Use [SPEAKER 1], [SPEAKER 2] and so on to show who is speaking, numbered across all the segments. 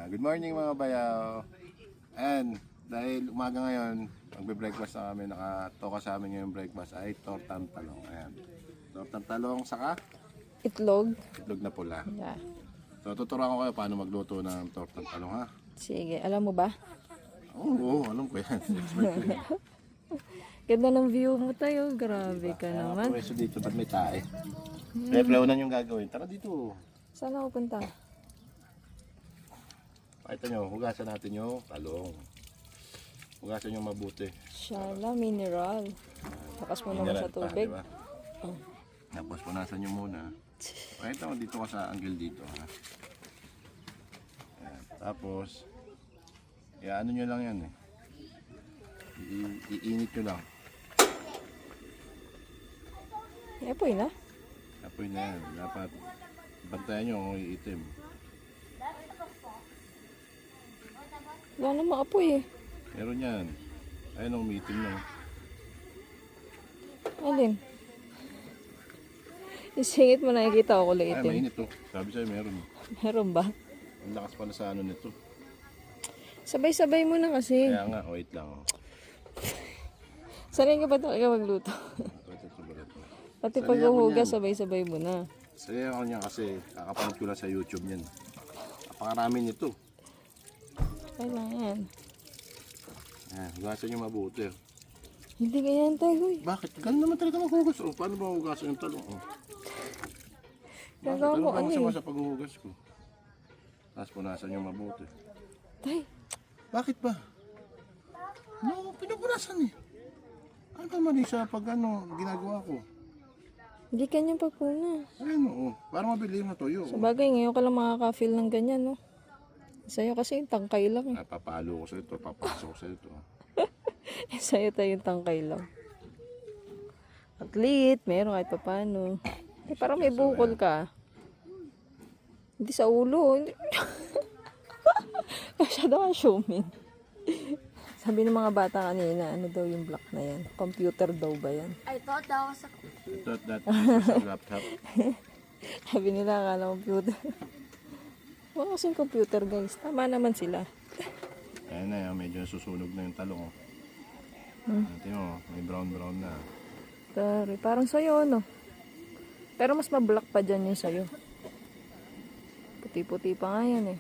[SPEAKER 1] Good morning mga bayaw. And dahil umaga ngayon, magbe-breakfast na kami. Nakatoka sa amin ngayong breakfast ay tortang talong. Ayan. Tortang talong saka
[SPEAKER 2] Itlog.
[SPEAKER 1] itlog na pula.
[SPEAKER 2] Yeah.
[SPEAKER 1] So tuturuan ko kayo paano magluto ng tortang talong ha.
[SPEAKER 2] Sige, alam mo ba?
[SPEAKER 1] Oo, alam ko yan. Expert ko yan.
[SPEAKER 2] Ganda ng view mo tayo. Grabe ka
[SPEAKER 1] Kaya
[SPEAKER 2] naman.
[SPEAKER 1] pwesto dito, ba't may tae? Refleunan yung gagawin. Tara dito.
[SPEAKER 2] Saan ako punta?
[SPEAKER 1] Pakita nyo, hugasan natin yung talong. Hugasan nyo mabuti.
[SPEAKER 2] Shala, mineral. Takas mo naman
[SPEAKER 1] Mineral
[SPEAKER 2] sa
[SPEAKER 1] pa,
[SPEAKER 2] tubig.
[SPEAKER 1] diba? Tapos punasan nyo muna. Pakita mo dito ka sa angle dito. Ha? Ayan. Tapos, ano nyo lang yan eh. Iinit nyo lang.
[SPEAKER 2] Apoy na.
[SPEAKER 1] Apoy na yan. Dapat bantayan nyo kung iitim.
[SPEAKER 2] Wala namang apoy eh.
[SPEAKER 1] Meron yan. Ayun ang umiitim na.
[SPEAKER 2] Alin? Isingit mo nakikita ko kulay
[SPEAKER 1] Ay,
[SPEAKER 2] itim.
[SPEAKER 1] mainit to. Sabi sa'yo meron.
[SPEAKER 2] Meron ba?
[SPEAKER 1] Ang lakas pala sa ano nito.
[SPEAKER 2] Sabay-sabay mo na kasi.
[SPEAKER 1] Kaya nga, wait lang. Oh.
[SPEAKER 2] Sanay ka ba talaga magluto?
[SPEAKER 1] Ito, subalit mo.
[SPEAKER 2] Pati
[SPEAKER 1] Sanay
[SPEAKER 2] paghuhugas,
[SPEAKER 1] ako
[SPEAKER 2] sabay-sabay mo na.
[SPEAKER 1] Saya ako niya kasi kakapanood ko lang sa YouTube niyan. Napakarami nito.
[SPEAKER 2] Kailangan.
[SPEAKER 1] Hugasan niyo mabuti.
[SPEAKER 2] Hindi ganyan tayo.
[SPEAKER 1] Bakit? Ganun naman talaga maghugas. Oh, paano ba hugasan yung talong? Oh.
[SPEAKER 2] Gagawa mo ano
[SPEAKER 1] masama
[SPEAKER 2] eh.
[SPEAKER 1] sa paghuhugas ko? Tapos punasan niyo mabuti.
[SPEAKER 2] Tay,
[SPEAKER 1] Bakit ba? No, pinupunasan eh. Ano ba mali sa pag ginagawa ko?
[SPEAKER 2] hindi kanyang pagpuna.
[SPEAKER 1] Ayun oo. Para mabili yung natuyo.
[SPEAKER 2] Sa bagay, ngayon ka lang makaka-feel ng ganyan, no? Sa'yo kasi yung tangkay lang eh.
[SPEAKER 1] Papalo ko sa ito. Papasok ko sa ito.
[SPEAKER 2] Sa'yo tayo yung tangkay lang. At least, meron kahit papano. Eh, parang may bukol ka. Hindi sa ulo. Hindi. Masyado ka assuming. Sabi ng mga bata kanina, ano daw yung block na yan? Computer daw ba yan?
[SPEAKER 3] I thought that was a
[SPEAKER 1] I thought that this is a laptop.
[SPEAKER 2] Sabi nila, akala computer. Wala kasing computer, guys. Tama naman sila.
[SPEAKER 1] Ayan na yan. Medyo susunog na yung talong. Oh. Tingnan mo. May brown na.
[SPEAKER 2] Tari, parang sa'yo, ano? Pero mas mablock pa dyan yung sa'yo. Puti-puti pa nga yan eh.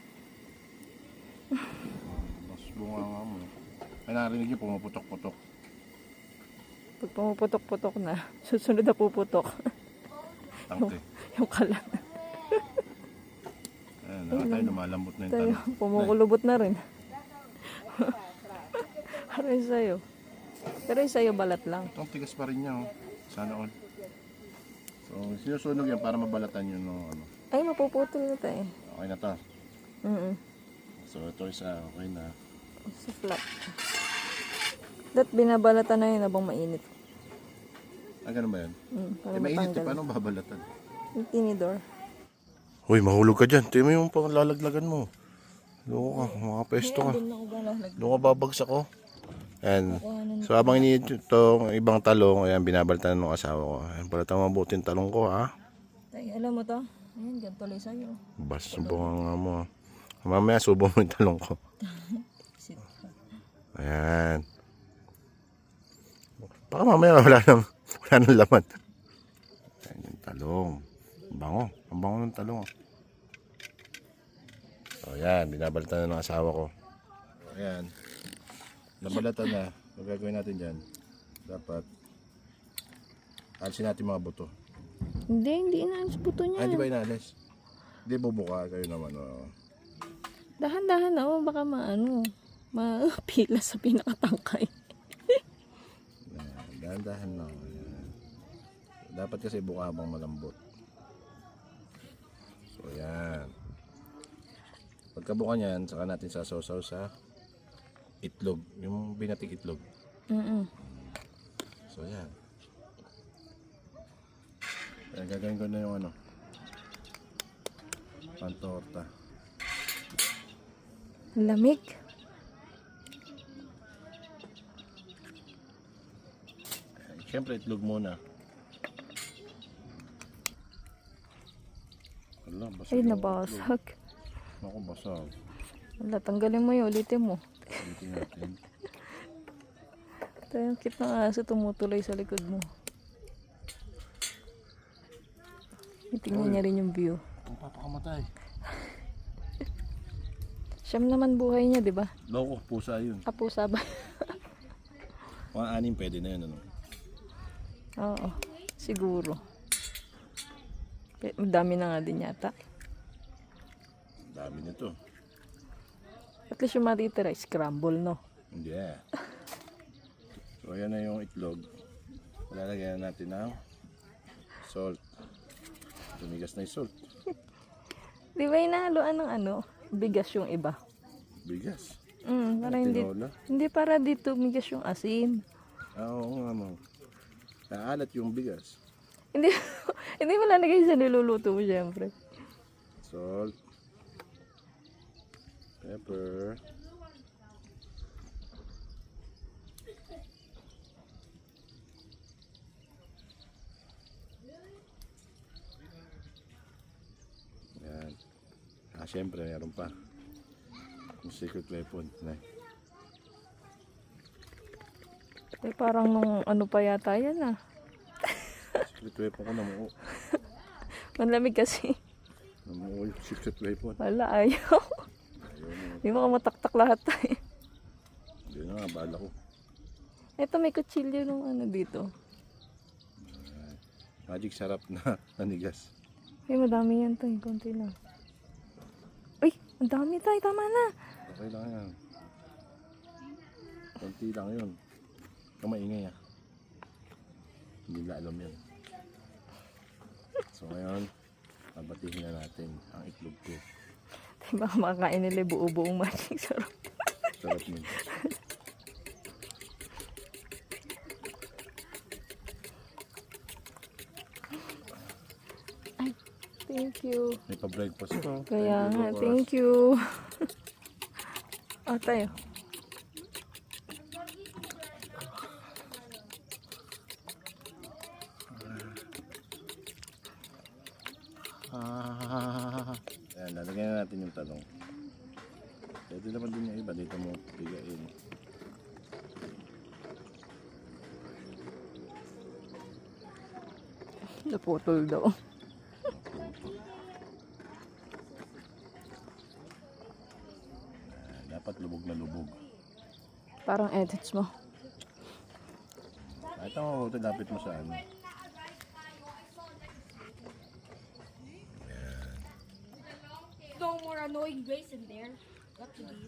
[SPEAKER 1] Mas bunga nga mo. Ay narinig niyo pumuputok-putok.
[SPEAKER 2] Pag pumuputok-putok na, susunod na puputok.
[SPEAKER 1] Tangte.
[SPEAKER 2] Yung kalan.
[SPEAKER 1] Ayan, nakatayo lumalambot na yung
[SPEAKER 2] Tayo,
[SPEAKER 1] talong.
[SPEAKER 2] pumukulubot na rin. Pero yung sa'yo. Pero yung sa'yo balat lang.
[SPEAKER 1] Itong tigas pa rin niya. Oh. Sana all. So sinusunog yan para mabalatan yun. No, ano.
[SPEAKER 2] Ay, mapuputol na tayo.
[SPEAKER 1] Okay na to. So ito isa. Okay na.
[SPEAKER 2] Sa flat. Dat binabalatan na yun habang mainit.
[SPEAKER 1] Ganun ba yan?
[SPEAKER 2] Para
[SPEAKER 1] Mainit.
[SPEAKER 2] matanggal.
[SPEAKER 1] Paano babalatan?
[SPEAKER 2] Yung tinidor.
[SPEAKER 1] Uy, mahulog ka dyan. Tingnan mo yung panglalaglagan mo. Loko ka. Mga pesto ka.
[SPEAKER 2] Doon ako balalag.
[SPEAKER 1] Doon ka babagsak ko. Ayan. So habang iniit itong ibang talong, ayan, binabalatan ng asawa ko. Ayan, balatan mo mabuti yung talong ko ha.
[SPEAKER 2] Tay, alam mo to? Ayan, ganito tuloy sa'yo.
[SPEAKER 1] Bas, subukan nga mo. Mamaya subo mo yung talong ko.
[SPEAKER 2] Sit ka.
[SPEAKER 1] Ayan. Baka mamaya wala nang laman. Ayan yung talong. Ang bango. Ang bango ng talong. So ayan, binabalatan na ng asawa ko. Ayan. Nabalatan na. Ang gagawin natin dyan, dapat alisin natin mga buto.
[SPEAKER 2] Hindi inaalis buto niya.
[SPEAKER 1] Di ba inalis? Hindi bubuka kayo naman. Oh.
[SPEAKER 2] Dahan-dahan na, baka mapila sa pinakatangkay.
[SPEAKER 1] Dahan-dahan lang. Ayan. Dapat kasi buka habang malambot. So yan. Pagkabuka niyan, saka natin sasaw-saw sa itlog. Yung binatik itlog. So yan. Ayan, gagawin ko na yung pantorta.
[SPEAKER 2] Lamig.
[SPEAKER 1] Siyempre itlog muna. Wala, basag.
[SPEAKER 2] Ay, nabasag.
[SPEAKER 1] Ako, basag.
[SPEAKER 2] Wala, tanggalin mo yun. Ulitin mo.
[SPEAKER 1] Ulitin natin.
[SPEAKER 2] Ito yung cute ng aso tumutuloy sa likod mo. Tingnan niya rin yung view.
[SPEAKER 1] Ang papakamatay.
[SPEAKER 2] Siyam naman buhay niya, di ba?
[SPEAKER 1] Loko, pusa yun.
[SPEAKER 2] Pusa ba?
[SPEAKER 1] Mga 6 pwede na yun, ano?
[SPEAKER 2] Oo, siguro. Dami na nga din yata.
[SPEAKER 1] Dami nito.
[SPEAKER 2] At least yung matitira, scramble, no?
[SPEAKER 1] Hindi. So, ayan na yung itlog. Lalagyan natin ng salt. Tumigas na yung salt.
[SPEAKER 2] Di ba inahaluan ng ano? Bigas yung iba.
[SPEAKER 1] Bigas.
[SPEAKER 2] Para hindi,
[SPEAKER 1] Tinola.
[SPEAKER 2] hindi para dito bigas yung asin.
[SPEAKER 1] Oo nga mo. Naalat yung bigas.
[SPEAKER 2] Hindi, hindi mo lalagay sa niluluto mo, syempre.
[SPEAKER 1] Salt. Pepper. Yan. Syempre, meron pa. Yung secret weapon.
[SPEAKER 2] Parang nung ano pa yata yan ah.
[SPEAKER 1] Secret weapon ko namuo.
[SPEAKER 2] Manlamig kasi.
[SPEAKER 1] Namuo yung secret weapon.
[SPEAKER 2] Wala, ayaw. Hindi mo ka mataktak lahat tayo.
[SPEAKER 1] Hindi na nga, bala ko.
[SPEAKER 2] Ito may kutsilyo nung ano dito.
[SPEAKER 1] Magic sarap na nanigas.
[SPEAKER 2] Ay, madami yan tayo. Konti lang. Uy, ang dami tayo. Tama na.
[SPEAKER 1] Okay lang yan. Konti lang yun. Ikaw maingay ah. Hindi na alam yan. So ngayon, nabatihin na natin ang itlog ko.
[SPEAKER 2] Baka makakain nila buo-buong magic sarap.
[SPEAKER 1] Sarap nun.
[SPEAKER 2] Thank you.
[SPEAKER 1] May pa-breakfast ko.
[SPEAKER 2] Kaya nga, thank you. Tayo.
[SPEAKER 1] Ayan, lalagyan na natin yung talong. Pwede naman din yung iba. Dito mo bigain.
[SPEAKER 2] Naputol daw.
[SPEAKER 1] Dapat lubog na lubog.
[SPEAKER 2] Parang edits mo.
[SPEAKER 1] Ito ang mabuti, lapit mo sa ano.
[SPEAKER 3] No more annoying Grace in there. Got to be.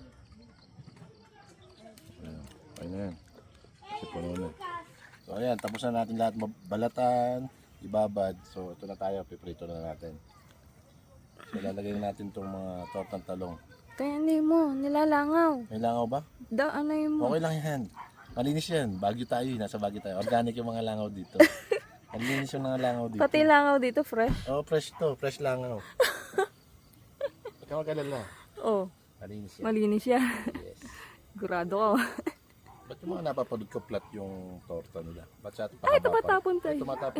[SPEAKER 1] Ayan, okay na yan. Kasi puno na. So ayan, tapos na natin lahat balatan, ibabad. So ito na tayo, piprito na natin. So lalagay natin itong mga tortang talong.
[SPEAKER 2] Kaya hindi mo, nilalangaw.
[SPEAKER 1] May langaw ba?
[SPEAKER 2] Ano yun mo?
[SPEAKER 1] Okay lang yan. Malinis yan. Baguio tayo, nasa Baguio tayo. Organic yung mga langaw dito. Malinis yung mga langaw dito.
[SPEAKER 2] Pati langaw dito, fresh.
[SPEAKER 1] Oh, fresh to. Fresh langaw. Huwag ka mag-alala.
[SPEAKER 2] Oh,
[SPEAKER 1] Malinis yan.
[SPEAKER 2] malinis yan.
[SPEAKER 1] Yes.
[SPEAKER 2] Gurado ka.
[SPEAKER 1] Ba't yung mga napapanood ko flat yung torta nila? Ba't sa atin
[SPEAKER 2] Ay,
[SPEAKER 1] pakababa?
[SPEAKER 2] tumatapon tayo.
[SPEAKER 1] Ay, tumatapon.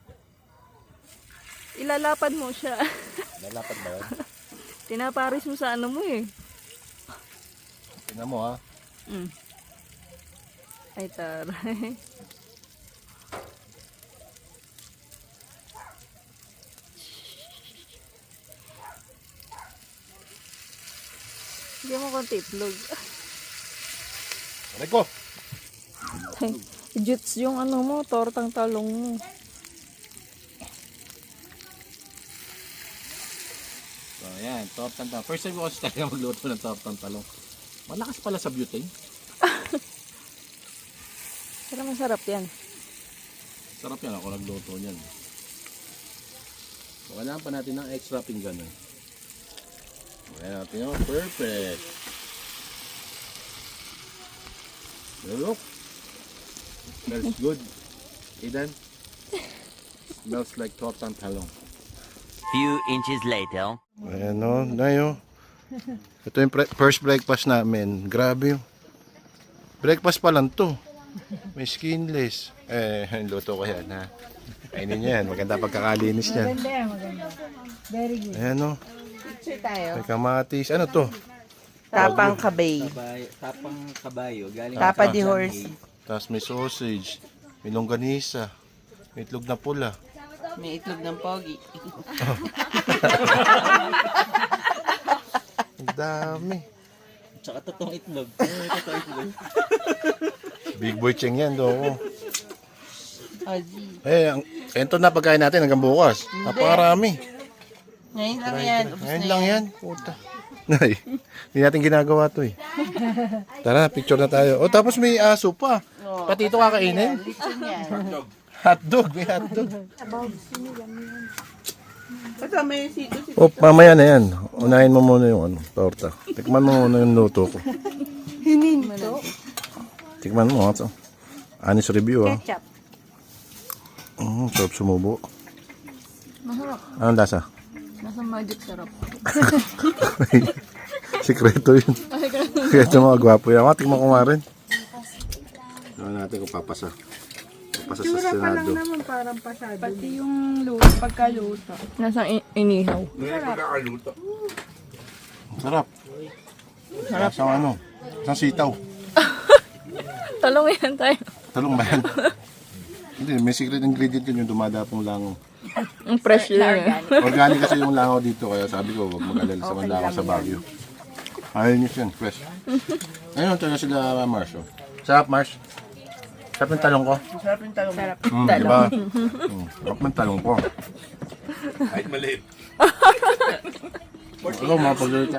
[SPEAKER 2] Ilalapad mo siya.
[SPEAKER 1] Lalapad ba yan?
[SPEAKER 2] Tinaparis mo sa ano mo eh.
[SPEAKER 1] Tingnan mo ha.
[SPEAKER 2] Ay, taray. Hindi mo konti itlog.
[SPEAKER 1] Aray ko!
[SPEAKER 2] Juts yung ano mo, tortang talong mo.
[SPEAKER 1] So ayan, tortang talong. First time ko kasi talaga magluto ng tortang talong. Malakas pala sa butane.
[SPEAKER 2] Pero masarap yan.
[SPEAKER 1] Sarap yan ako nagluto niyan. So kailangan pa natin ng extra pinggan eh. Ayan natin yun. Perfect. Look. Smells good. Eden. Smells like tortang talong.
[SPEAKER 4] Few inches later.
[SPEAKER 1] Ayan o, Nayo. Ito yung first breakfast namin. Grabe yun. Breakfast pa lang to. May skinless. Yung luto ko yan ha. Kainin niyo yan. Maganda pagkakalinis niyan.
[SPEAKER 3] Maganda. Very good.
[SPEAKER 1] Ayan o.
[SPEAKER 3] Picture tayo.
[SPEAKER 1] May kamatis. Ano to?
[SPEAKER 5] Tapang kabay.
[SPEAKER 6] Tapang kabayo. Galing
[SPEAKER 5] Tapa
[SPEAKER 6] sa
[SPEAKER 5] di horse.
[SPEAKER 1] Tapos may sausage, may longganisa, may itlog na pula.
[SPEAKER 5] May itlog ng pogi.
[SPEAKER 1] Ang dami.
[SPEAKER 6] Tsaka totoong itlog.
[SPEAKER 1] Big boy cheng yan, do.
[SPEAKER 5] Ozzy.
[SPEAKER 1] Ito na pagkain natin hanggang bukas. Napakarami.
[SPEAKER 5] Ngayon lang yan. Ubus
[SPEAKER 1] Ngayon
[SPEAKER 5] na
[SPEAKER 1] lang
[SPEAKER 5] yan.
[SPEAKER 1] yan. Puta. Nay, hindi natin ginagawa to eh. Tara, picture na tayo. Oh, tapos may aso pa.
[SPEAKER 5] Oh,
[SPEAKER 1] Pati ito kakainin.
[SPEAKER 5] Lechon yan.
[SPEAKER 1] Hotdog, may hotdog.
[SPEAKER 5] Kasama yung sito.
[SPEAKER 1] Oh, mamaya na yan. Unahin mo muna yung torta. Tikman mo muna yung luto ko.
[SPEAKER 5] Hininto.
[SPEAKER 1] Tikman mo. Honest review ah.
[SPEAKER 5] Ketchup.
[SPEAKER 1] Sarap sumubo.
[SPEAKER 2] Masarap.
[SPEAKER 1] Anong lasa?
[SPEAKER 2] Nasa magic sarap.
[SPEAKER 1] Sikreto yun. Sikreto mga gwapo yan. Tikman ko nga rin. Tignan natin kung papasa. Papasa sa Senado.
[SPEAKER 5] Parang pasado.
[SPEAKER 3] Pati yung luto, pagkaluto.
[SPEAKER 2] Nasa inihaw.
[SPEAKER 1] Sarap. Sarap. Sa ano? Sa sitaw.
[SPEAKER 2] Talong yan tayo.
[SPEAKER 1] Talong ba yan? Hindi, may secret ingredient yun yung dumadapong langaw.
[SPEAKER 2] Ang fresh lang yan.
[SPEAKER 1] Organic kasi yung langaw dito, kaya sabi ko, huwag mag-alala sa langaw sa Baguio. Ayun yun, fresh. Ayun, talaga sila Mars. Oh. Sarap, Mars. Sarap yung talong ko.
[SPEAKER 5] Sarap yung talong. Sarap.
[SPEAKER 1] Diba? Sarap yung talong ko. Kahit maliit. Ikaw, mga paglalita.